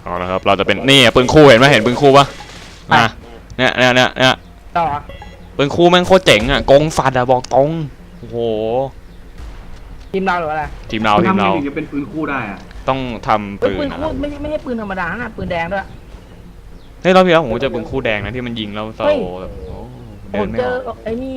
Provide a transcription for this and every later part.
เอาละครับเราจะเป็นนี่ปืนคู่เห็นไหมเห็นปืนคู่ปะเนี่ยต่อปืนคู่แม่งโคตรเจ๋งอ่ะกงสัตว์อะบอกตรงโอ้โหทีมเราหรืออะไรทีมเราทำไงถึงจะเป็นปืนคู่ได้อะต้องทำปืนคู่ไม่ใช่ปืนธรรมดานะปืนแดงด้วยเฮ้ยรอบที่แล้วผมเจอปืนคู่แดงนะที่มันยิงแล้วเราแบบเดินไม่ออกไอ้นี่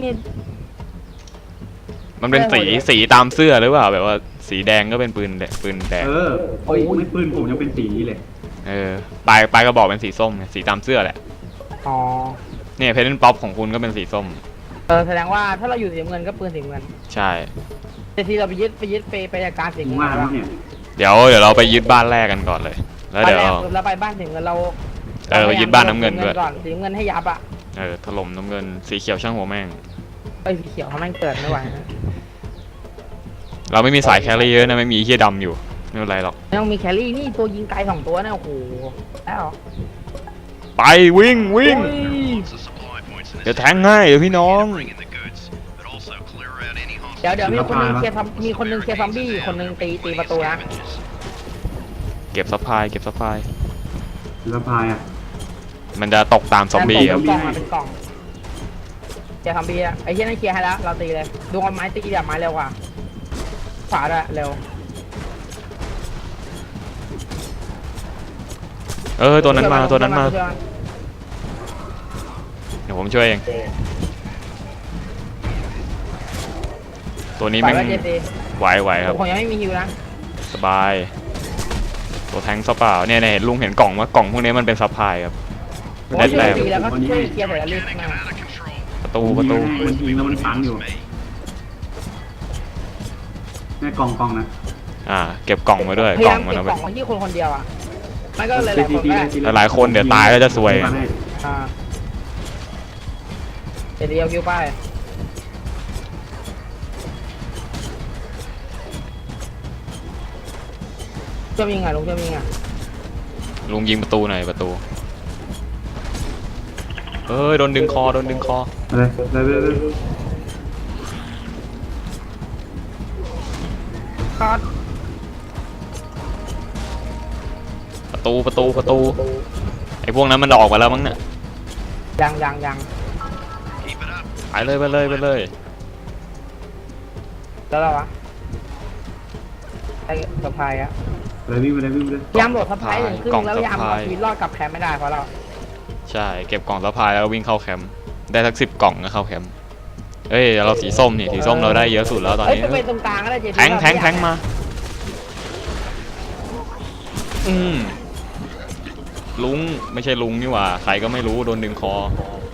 มันเป็นสีตามเสื้อหรือเปล่าแบบว่าสีแดงก็เป็นปืนแดงโอ้ยไม่ปืนผมยังเป็นสีนี้เลยปลายกระบอกเป็นสีส้มสีตามเสื้อแหละอ๋อเนี่ยเพนป๊อปของคุณก็เป็นสีส้มแสดงว่าถ้าเราอยู่สีเงินก็ปืนสีเงินใช่แต่ทีเราไปยึดไปจากการสีเงินเดี๋ยวเราไปยึดบ้านแรกกันก่อนเลยแล้วเดี๋ยวเราไปบ้านสีเงินเราไปยึดบ้านน้ำเงินด้วยก่อนสีเงินให้ยับอ่ะถล่มน้ำเงินสีเขียวช่างหัวแม่งสีเขียวเขาแม่งเกิดไม่ไหวเราไม่มีสายแครี่เยอะนะไม่มีเฮียดำอยู่ไม่เป็นไรหรอกไม่ต้องมีแครี่นี่ตัวยิงไกล2ตัวนะโอ้โหแล้วไปวิ่งเดี๋ยวแทงง่ายเดี๋ยวพี่น้องเดี๋ยวมีคนนึงเคลียร์ซอมบี้คนนึงตีประตูนะเก็บซัพพลายอ่ะมันจะตกตามซอมบี้ครับเป็นกล่องเคลียร์ซอมบี้ไอ้เหี้ยนั่นเคลียร์ให้แล้วเราตีเลยดวงไม้ตีแบบไม้เร็วกว่าขวาด้วยเร็วตัวนั้นมาเดี๋ยวผมช่วยเองตัวนี้แม่งไหวครับผมยังไม่มีฮิวนะสบายตัวแทงซัพเปล่าเนี่ยเห็นลุงเห็นกล่องว่ากล่องพวกนี้มันเป็นซัพพลายครับได้แต้มแล้วก็ช่วยเคลียร์แต่ละเรื่องประตูมันยิงแล้วมันฝังอยู่แม่กล่องนะเก็บกล่องมาด้วยกล่องมันเอาไปกล่องที่คนเดียวอ่ะไม่ก็หลายคนเดี๋ยวตายก็จะซวยเดียวคิวไปจะยิงไงลุงจะยิงไงลุงยิงประตูหน่อยประตูโดนดึงคอคัดประตูไอ้พวกนั้นมันออกมาแล้วมั้งเนี่ยยังไปเลยแล้วเราวะไอ้สะพายอะวิ่งไปเลยยามโหลดสะพายถึงครึ่งแล้วยามเอาชีวิตรอดกับแคมป์ไม่ได้เพราะเราใช่เก็บกล่องสะพายแล้ววิ่งเข้าแคมป์ได้สัก10 กล่องก็เข้าแคมป์เราสีส้มนี่สีส้มเราได้เยอะสุดแล้วตอนนี้เป็นตรงกลางก็ได้แทงมาลุงไม่ใช่ลุงนี่หว่าใครก็ไม่รู้โดนดึงคอ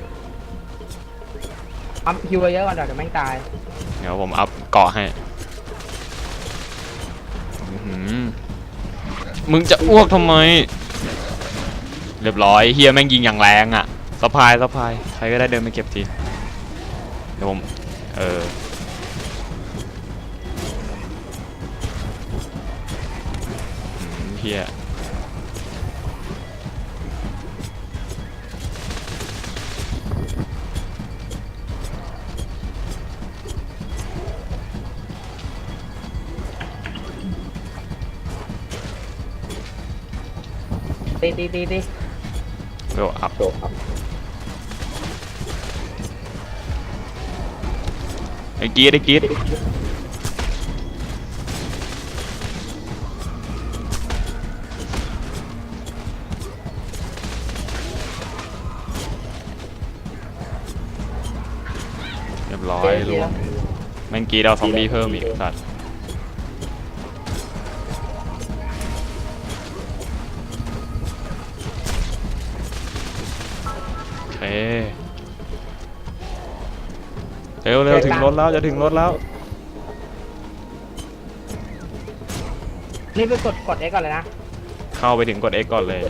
อัพคิวเยอะกว่าเดี๋ยวแม่งตายเดี๋ยวผมอัพเกาะให้มึงจะอ้วกทำไมเรียบร้อยเฮียแม่งยิงอย่างแรงอ่ะสะพายใครก็ได้เดินไปเก็บทีเดี๋ยวผมเฮียตีเร็วอัพไอ้กีดเรียบร้อยลุงแม่งกีดเอาซอมบี้เพิ่มอีกสัตว์เร็วถึงรถแล้วจะถึงรถแล้วนี่ไปกด X ก่อนเลยนะเข้าไปถึงกด X ก่อนเลย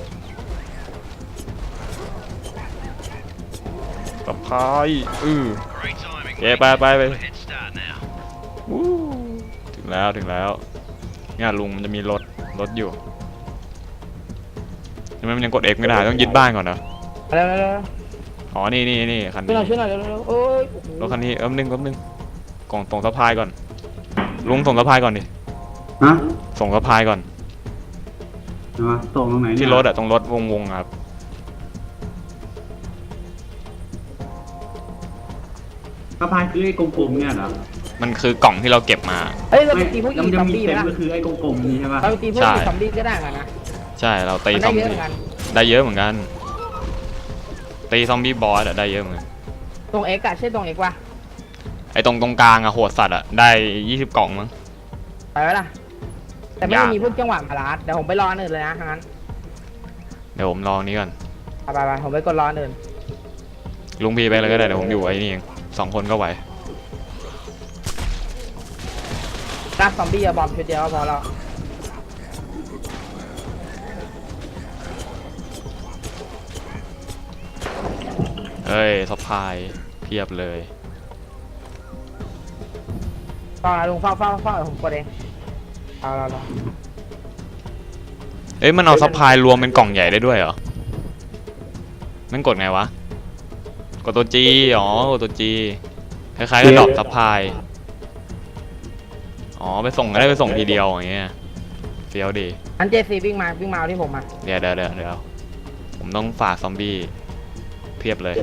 สะพายไปถึงแล้วเนี่ยลุงมันจะมีรถอยู่ทำไมมันยังกด X ไม่ได้ต้องยึดบ้านก่อนนะอ๋อนี่คันนี้ช่วยหน่อยโอ้ยรถคันนี้นึงกล่องส่งสะพายก่อนลุงส่งสะพายก่อนดิส่งสะพายก่อนใช่ปะส่งตรงไหนเนี่ยที่รถอะตรงรถวงๆครับสะพายคือไอ้กลมๆเนี่ยเหรอมันคือกล่องที่เราเก็บมาเฮ้ยเราไปไม่ตีพวกแล้วอีมันซจะอมมีบี้เต็ไหมมล่ะก็คือไอ้กลมๆนี่ใช่ปะเราไปตีพวกใช่อีซอมบี้ก็ได้เหมือนกันนะใช่เราตีมันซได้อมเยอะเหบี้มือนกันได้เยอะเหมือนกันตีซอมบี้บอสอะได้เยอะเหมือนกันตรงเอ็กอะใช่ตรงเอ็กวะไอ้ตรงกลางอะโหดสัตว์อะได้20 กล่องมั้งไปไหมล่ะแต่ไม่ยากมีพวกจังหวะมาลาดเดี๋ยวผมไปรออันอื่นเลยนะงั้นเดี๋ยวผมลองนี้ก่อนไปผมไปกดรออันอื่นลุงพีไปเลยก็ได้เดี๋ยวผมอยู่ไอ้นี่เอง2 คนก็ไหวรับซอมบี้อะบอมชุดเดียวก็พอแล้วเฮ้ยซัพพลายเพียบเลยต่อลุงเฝ้าผมกดเองเอาเราเอ้ยมันเอาซัพพลายรวมเป็นกล่องใหญ่ได้ด้วยเหรอมันกดไงวะกดตัว G อ๋อกดตัว G คล้ายๆกับดรอปซัพพลายอ๋อไปส่งก็ได้ไปส่งทีเดียวอย่างเงี้ยเฟี้ยวดีอันเจซีวิ่งมาเอาที่ผมมาเดี๋ยวผมต้องฝ่าซอมบี้เพียบเลย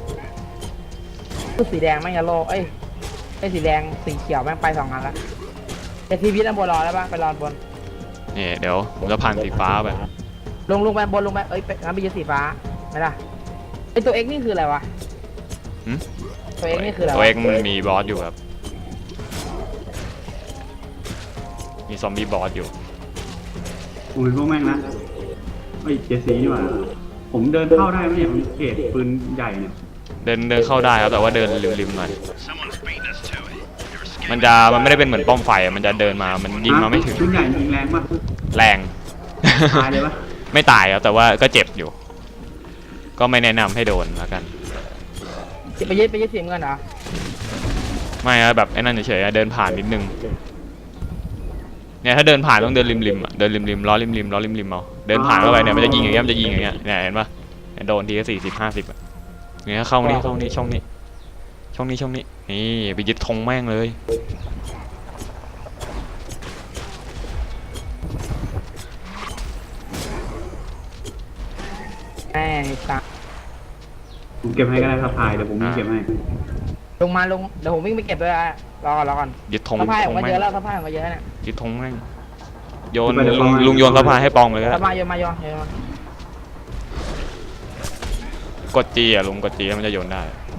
คือสีแดงแม่งจะโลเอ้ยไอ้สีแดงสีเขียวแม่งไป2 อันละเจซีวิทย์อันบนรอแล้วปะไปรอบนนี่เดี๋ยวผมจะผ่านสีฟ้าไปลงไปบนลงไปเอ้ยงั้นไปยืนสีฟ้าไม่ได้ไอตัวเอ็กนี่คืออะไรวะหึตัวเอ็กนี่คืออะไรตัววะเอกมันมีบอสอยู่ครับมีซอมบี้บอสอยู่ผมเป็นพวกแม่งนะไอ้เจสซี่นี่หว่าผมเดินเข้าได้ไหมเนี่ยผมเขตปืนใหญ่เนี่ยเดินเข้าได้ครับแต่ว่าเดินริมๆหน่อยมันไม่ได้เป็นเหมือนป้อมไฟอะมันจะเดินมามันยิงมาไม่ถึงปืนใหญ่ยิงแรงปะแรงตายเลยปะไม่ตายครับแต่ว่าก็เจ็บอยู่ ก็ไม่แนะนำให้โดนแล้วกันไปยึดสีเงินเหรอไม่ครับแบบไอ้นั่นเฉยๆอะเดินผ่านนิดนึงเนี่ยถ้าเดินผ่านต้องเดินริมๆอะเดินริมๆล้อริมๆเอาเดินผ่านเข้าไปเนี่ยมันจะยิงอย่างเงี้ยเนี่ยเห็นปะเนี่ยโดนทีก็40-50อะเนี่ยเข้านี่ช่องนี้นี่ไปยึดธงแม่งเลยแม่สัสผมเก็บให้ก็ได้สะพายเดี๋ยวผมเก็บให้ลงเดี๋ยวผมวิ่งไปเก็บด้วยรอก่อนยึดธงสะพายผมก็แม่เยงอะแล้วสะพายผมก็เยอะเนี่ยยึดธงแม่งโยนลุงโยนสะพายให้ปองเลยก็สะได้พายโยนมากดจีอะลุงกดจีแล้วมันจะโยนได้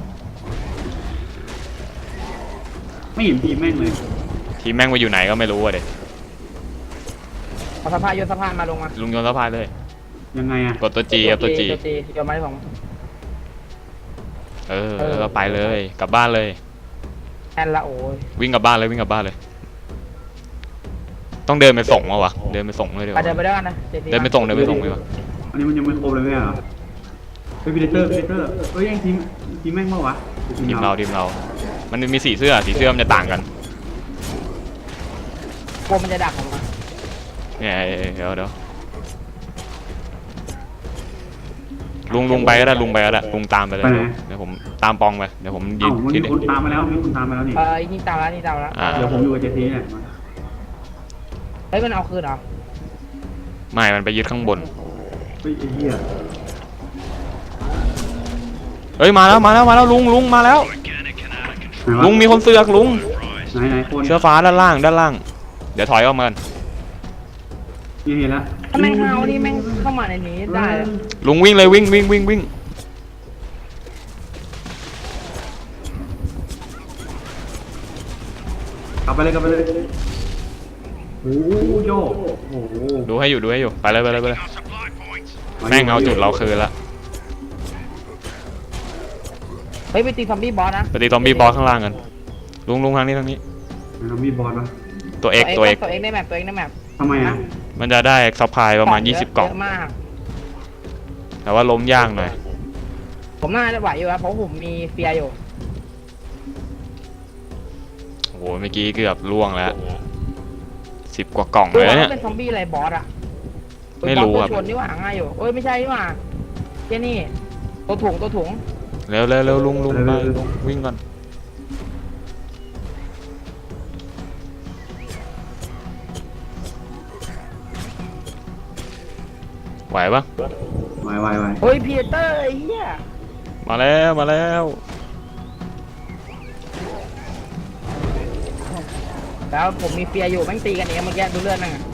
ไม่เห็นทีมแม่งเลยทีมแม่งไปอยู่ไหนก็ไม่รู้อะเด็กเอาสะพายโยนสะพายมาลงมาลุงโยนสะพายเลยยังไงอะกดตัวจีครับตัวจีโยนมาให้ผมแล้วก็ไปเลยกลับบ้านเลยแอนละโอ้ยวิ่งกลับบ้านเลยต้องเดินไปส่งมาวะเดินไปส่งเลยดีกไปว่าเดินไปด้วยกันนะเดินไปส่งดีกว่าอันนี้มันยังไม่ครบเลยไหมอ่ะเฮ้ยพีเตอร์เฮ้ยยังทีมแม่งเปล่าวะทีมเรามันมีสีเสื้อมันจะต่างกันกลัวมันจะดักผมอ่ะเนี่ยเดี๋ยวลุงไปก็ได้ลุงตามไปเลยเดี๋ยวผมตามปองไปเดี๋ยวผมยืเอ้าน มันที่มีคนตามมาแล้วนี่นี่ตามแล้วเดี๋ยวผมอยู่กับเจสซี่เนี่ยเฮ้ยมันเอาคืนเหรอไม่มันไปยึดข้างบนเฮ้ยไอ้เหี้ยเฮ้ยมาแล้วลุงมาแล้วลุงมีคนเสือกลุงไหนคนเสื้อฟ้าด้านล่างเดี๋ยวถอยออกมานี่เห็นแล้วถ้าแม่งเฮานี่แม่งเข้ามาในนี้ได้ลุงวิ่งเลยวิ่งกลับไปเลยโอ้โยโอ้โหดูให้อยู่ไปเลยแม่งเอาจุดเราคืนละเฮ้ยไปตีซอมบี้บอสนะไปตีซอมบี้บอสข้างล่างกันลุงทางนี้เรามีบอลปะตัวเอกในแมปทำไมอ่ะมันจะได้ซัพพลายประมาณ20 กล่องเยอะมากแต่ว่าล้มยากหน่อยผมน่าจะไหวอยู่ครับเพราะผมมีเฟียอยู่โอ้โหเมื่อกี้เกือบล่วงแล้ว10 กว่ากล่องเลยเนี่ยเป็นซอมบี้อะไรบอสอ่ะไม่รู้ครับชวนนี่ว่าง่ายอยู่ไม่ใช่นี่ว่าแค่นี้ตัวถุงเร็วลุงไปวิ่งก่อนไหวปะไวเฮ้ยพีเตอร์ไอ้เหี้ยมาแล้วมาแล้วแล้วผมมีเฟียร์อยู่แม่งตีกันเองเมื่อกี้ดูเลือดนั่งอะ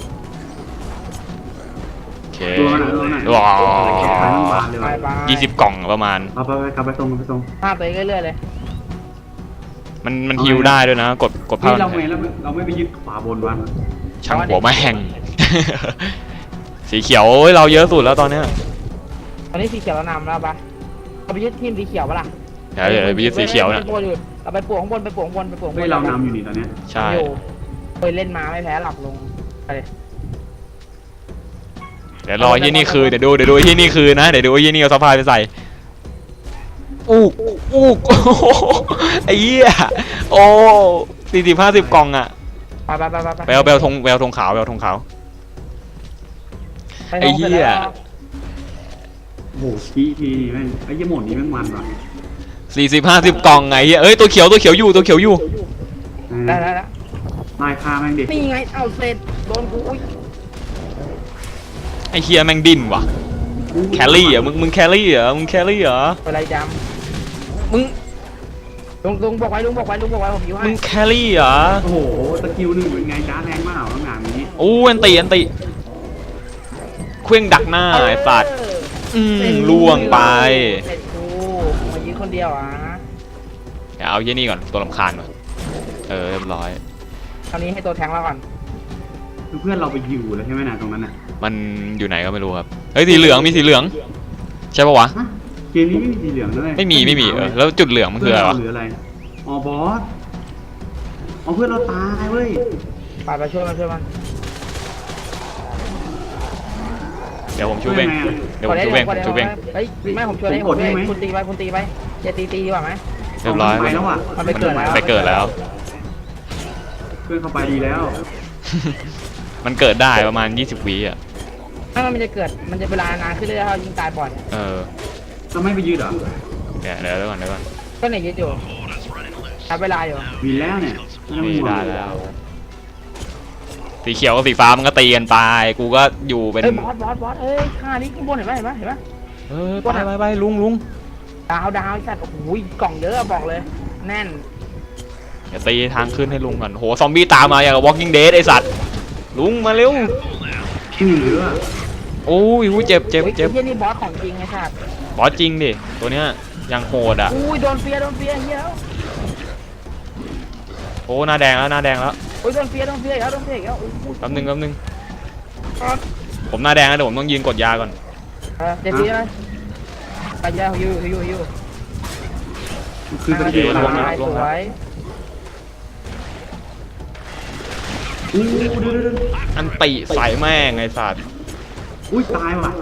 โอเคตัวมันอ่ะว้าวขายทั้งบานเลยไปว่ะไป 20 กล่องประมาณเอาไปกลับไปส่งไปส่งภาพตัวเองเรื่อยๆเลยมันฮิวได้ด้วยนะ กดนี่เผาเราไม่ไปยึดขวาบนวะช่างหัวแม่ง สีเขียวเราเยอะสุดแล้วตอนเนี้ยตอนนี้สีเขียวเรานำแล้วปะเราไปยึดทีมสีเขียวปะล่ะเดี๋ยวไปยึดสีเขียวนะเราไปปวกข้างบนไปปวกข้างบนไปปวกข้างบเฮ้ยนเรานำอยู่นี่ตอนเนี้ยใช่อยู่เคยเล่นมาไม่แพ้หลับลงอะไรเดี๋ยวรอที่นี่คือเดี๋ยวดูที่นี่คือนะเดี๋ยวดูที่นี่เอาสะพายไปใส่อู้โอ้ไอ้เหี้ยโอ้40-50 กล่องอ่ะไปไปเอาธงขาวไปเอาธงขาว ไอ้เหี้ยโอ้โหทีนี่แม่งไอ้ยี่หมดนี้แม่งมันว่ะ 40-50 กล่องไงเหี้ยเอ้ยตัวเขียวอยู่ได้ไล่ฆ่าแม่งดินี่ไงเอาเสร็จโดนกูอุ้ยไอ้เหี้ยแม่งดิ้นว่ะแครี่เหรอมึงแครี่เหรออะไรจำมึงลุงบอกไว้ผมอยู่ให้มึงแครี่เหรอโอ้โหสกิลหนึ่งเป็นไงจ้าแรงมากต้องงานนี้โอ้อันติเครื่องดักหน้าไอ้สัตว์ล่วงไปเสร็จกูมายืนคนเดียวอ่ะเดี๋ยวเอาเยี่ยนี่ก่อนตัวรำคาญก่อนเรียบร้อยตอนนี้ให้ตัวแทงเราก่อนคือเพื่อนเราไปอยู่แล้วใช่ไหมนะตรงนั้นน่ะมันอยู่ไหนก็ไม่รู้ครับเฮ้ยสีเหลืองมีสีเหลืองใช่ปะวะฮะเกมนี้ไม่มีสีเหลืองด้วยไม่มีแล้วจุดเหลืองมันคืออะไรวะหรืออะไรอ๋อบอสอ๋อเพื่อนเราตายเว้ยไปช่วยมันเดี๋ยวผมชูเบงเดี๋ยวผมชูเบงเฮ้ยไม่ผมช่วยได้ผมช่วยคุณตีไปอย่าตีดีกว่าไหมเรียบร้อยไปแล้วอ่ะมันไปเกิดแล้วไปเกิดแล้วเพื่อนเข้าไปดีแล้วมันเกิดได้ประมาณ20 วิอ่ะถ้ามันจะเกิดมันจะเวลานานขึ้นเรื่อยๆถ้ายิงตายบ่อยเราไม่ไปยืดเหรอเดี๋ยวก่อนก็ไหนยึดอยู่ใช้เวลาอยู่มีแล้วเนี่ยนี่ได้แล้วสีเขียวกับสีฟ้ามันก็ตีกันไปกูก็อยู่เป็นเอ้ยบอสเอ้ยข้านี้ข้างบนเห็นไหมไปลุงดาวไอ้สัตว์โอ้โหกล่องเยอะบอกเลยแน่นเดี๋ยวตีทางขึ้นให้ลุงก่อนโหซอมบี้ตามมาอย่างกับ Walking Dead ไอสัตว์ลุงมาเร็วชื่อเหลือโอ้ยเจ็บไอ้เหี้ยนี่บอสของจริงไอ้สัตว์บอสจริงดิตัวเนี้ยยังโหดอ่ะอุ้ยโดนเฟียเหี้ยแล้วโอ้หน้าแดงแล้วโอ้ยโดนเฟียอีกแล้วแป๊บนึงผมหน้าแดงแล้วเดี๋ยวผมต้องยืนกดยาก่อนเดี๋ยวทีนะไปยาฮิวคือสกิลสอะไรวยอู้เดี๋ยวอันติใส่แม่งไอสัตว์อุ้ยตายว่ะ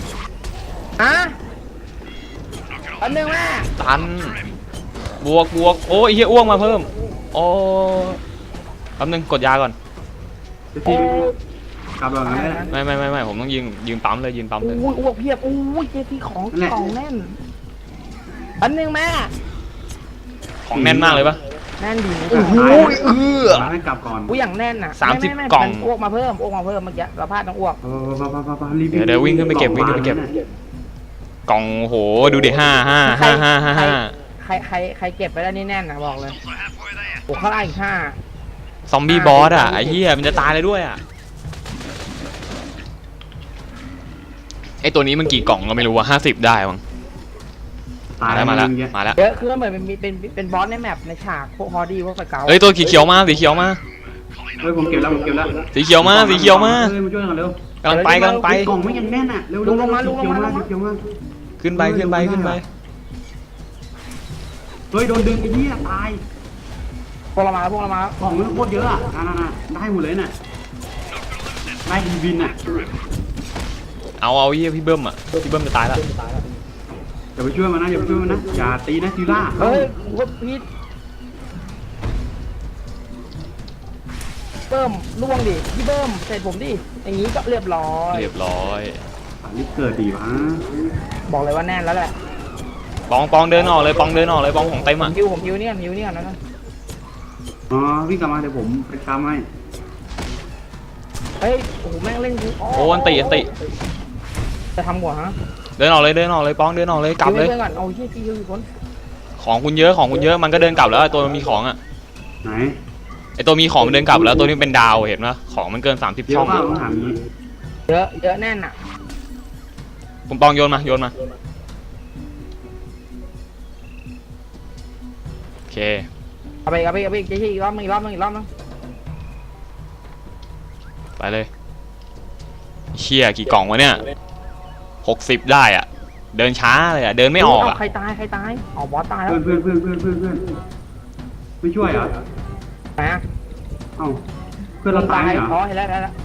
อันหนึ่งแม่ตันบวกโอ้ยเฮียอ้วงมาเพิ่มโอ้แป๊บนึงกดยาก่อนจะทีกลับเราไงไม่ผมต้องยืนปั๊มเลยอุ้ยอ้วกเพียบอุ้ยเจทีของแน่นอันหนึ่งแม่ของแน่นมากเลยปะแน่นดีโอ้โหมาให้กลับก่อนอุ้ยอย่างแน่นอ่ะกล่องอ้วกมาเพิ่มเมื่อกี้เราพลาดต้องอ้วกรีบเดี๋ยววิ่งขึ้นไปเก็บกล่องโหดูดิ5 ใครเก็บไปแล้วนี่แน่นนะบอกเลยโอ้ข้างล่างอีก5 ซอมบี้บอสอ่ะไอ้เหี้ยมันจะตายเลยด้วยอ่ะไอตัวนี้มันกี่กล่องก็ไม่รู้ว่า50ได้มั้งมาแล้วเยอะคือเหมือนเป็นบอสในแมปในฉากพวกฮอดี้พวกไฟเก่าเฮ้ยตัวสีเขียวมาเฮ้ยผมเก็บแล้วสีเขียวมาเฮ้ยมาช่วยกันเร็วกำลังไปกล่องไม่ยังแน่นอ่ะเร็วขึ้นไปเฮ้ยโดนดึงไอ้เหี้ยตายพวกเรามากล่องมันโคตรเยอะอ่ะได้หมดเลยน่ะได้วินอ่ะเอาเหี้ยพี่เบิ้มจะตายแล้วอย่าไปช่วยมันนะอย่าตีนะทีล่าเฮ้ยวัดพีทเบิ้มล่วงดิพี่เบิ้มเสร็จผมดิอย่างนี้ก็เรียบร้อยรีบเกิดดีวะบอกเลยว่าแน่นแล้วแหละปองเดินออกเลยปองของเต็มอ่ะผมฮิวเนี่ยนะอ๋อวิ่งกลับมาเดี๋ยวผมไปทำให้เฮ้ยโอ้โหแม่งเล่นกูโอ้อันติเจะทำหัวฮะเดินออกเลยเดินออกเลยป้องเดินออกเลยกลับเลยเพื่อนก่อนเอาที่พี่อยู่คนของคุณเยอะของคุณเยอะมันก็เดินกลับแล้วไอ้ตัวมันมีของอ่ะไหนไอตัวมีของมันเดินกลับแล้วตัวนี้เป็นดาวเห็นปะของมันเกิน30 เยช่อะองมากผมถามนี้เยอะเยอะแน่นอ่ะคุณปองโยนมาโยนมาโอเคเอาไปอีกรอบนึงไปเลยเชี่ยกี่กล่องวะเนี่ย60ได้อ่ะเดินช้าเลยอ่ะเดินไม่ออกอ่ะใครตายอ๋อบอสตายแล้วเพื่อนไม่ช่วยเหรอไหนอ่ะเอ้าเพื่อนเราตายเหรออ๋อเห็นแล้ว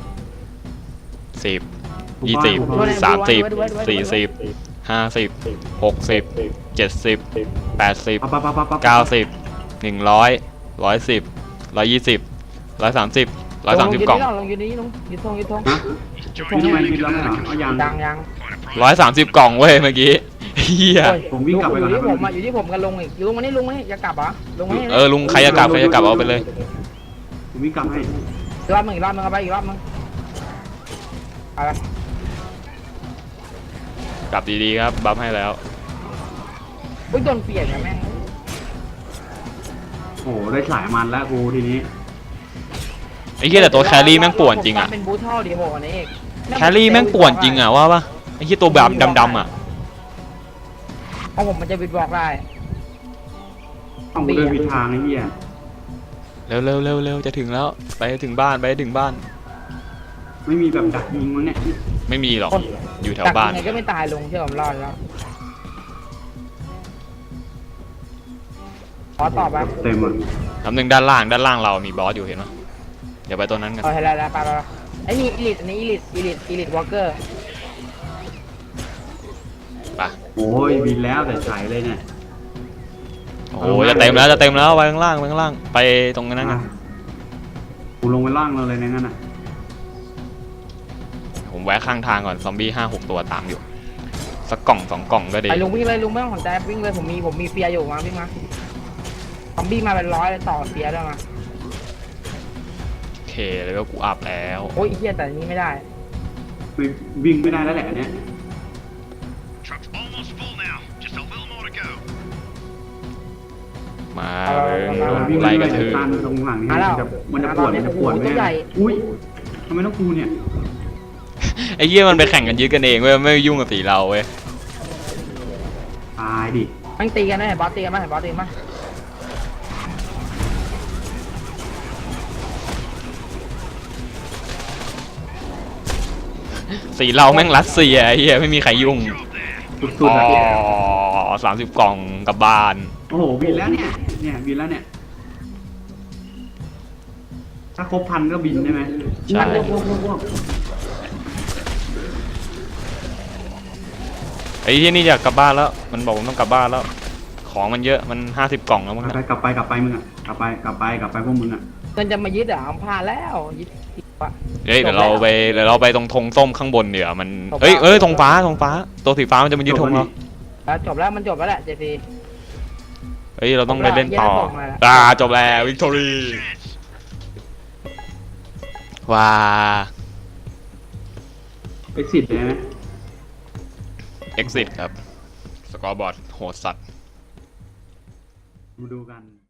10 20 30 40 50 60 70 80 ปั๊บ 90 100 110 120 130 130กล่องลงยืนนี่ลงยืนทงฮะพี่ทำไมคิดแล้วไม่เหรอเอายัง 130กล่องเว้ยเมื่อกี้เฮียผมวิ่งกลับไปก่อนอยู่นะที่ผมอ่ะอยู่ที่ผมกันลงอีกลงมานี่อย่ากลับเหรอลงมานี่ลุงใครจะกลับเอาไปเลยผมวิ่งกลับให้อีกรอบนึงเอาไปอีกรอบนึงอะไรกลับดีๆครับบัฟให้แล้วอุ้ยโดนเปลี่ยนนะแม่งโอ้โหได้สายมันแล้วกูทีนี้ไอ้เหี้ยแต่ตัวแครี่แม่งป่วนจริงอ่ะเป็นบูทเท่าดีโหอันนี้เองแครี่แม่งป่วนจริงอ่ะว่าปะไอ้เหี้ยตัวแบบดำๆอ่ะเพราะผมมันจะบิดบอกได้ต้องเดินผิดทางไอ้เหี้ยเร็วจะถึงแล้วไปถึงบ้านไม่มีแบบดักยิงมั้งเนี่ยไม่มีหรอกอยู่แถวบ้านยังไงก็ไม่ตายลงเชื่อผมรอดแล้วขอตอบแบบเต็มอ่ะน้ำหนึ่งด้านล่างเรามีบอสอยู่เห็นไหมเดี๋ยวไปตัวนั้นกันเอาให้แล้วไปไอ้นี่อีลิทอันนี้อีลิทวอลเกอร์ไปโอ้ยบินแล้วแต่ใส่เลยเนี่ยโอ้จะเต็มแล้วไปข้างล่างไปตรงนั้นกันกูลงไปล่างเราเลยในนั้นอ่ะผมแวะข้างทางก่อนซอมบี้5-6 ตัวตามอยู่สักกล่อง2 กล่องก็ดีไอ้ลุงวิ่งเลยลุงไม่ต้องสนใจวิ่งเลยผมมีเฟียอยู่มาวิ่งมาซอมบี้มาเป็น100เลยต่อเฟียด้วยมาโอเคแล้วก็กูอัพแล้วโอ้ยเฮียแต่นี้ไม่ได้ไม่วิ่งไม่ได้แล้วแหละเนี่ย Truck's almost full now. Just a little more to go. มาโดนไล่กระทืบตันตรงหลังนี่มันจะปวดไหมอุ้ยทำไมต้องกูเนี่ยไอ้เหี้ยมันไปแข่งกันยึดกันเองเว้ยไม่ยุ่งกับสีเราเว้ยตายดิมันตีกันได้เห็นบอสตีกันไหมสีเราแม่งรัสเซียไอ้เหี้ยไม่มีใครยุ่งสุดๆอ่ะ 30 กล่องกลับบ้านโอ้โหบินแล้วเนี่ยบินแล้วเนี่ยถ้าครบ1,000ก็บินได้ไหมใช่ไอ้ที่นี่อยากกลับบ้านแล้วมันบอกผมต้องกลับบ้านแล้วของมันเยอะมัน50 กล่องแล้วมั้งนะกลับไปมึงอ่ะกลับไปพวกมึงอ่ะเงินจะมายึดอ่ะผ่านแล้วยึดว่ะเฮ้ยเดี๋ยวเราไปตรงธงส้มข้างบนเดี๋ยวมันธงฟ้าตัวสีฟ้ามันจะมายึดธงเราจบแล้วมันจบแล้วแหละเจซีเฮ้ยเราต้องไปเล่นต่อจบแล้ววิกตอรี่ว้า exit เลยไหม exit ครับสกอร์บอร์ดโหดสัตว์มาดูกัน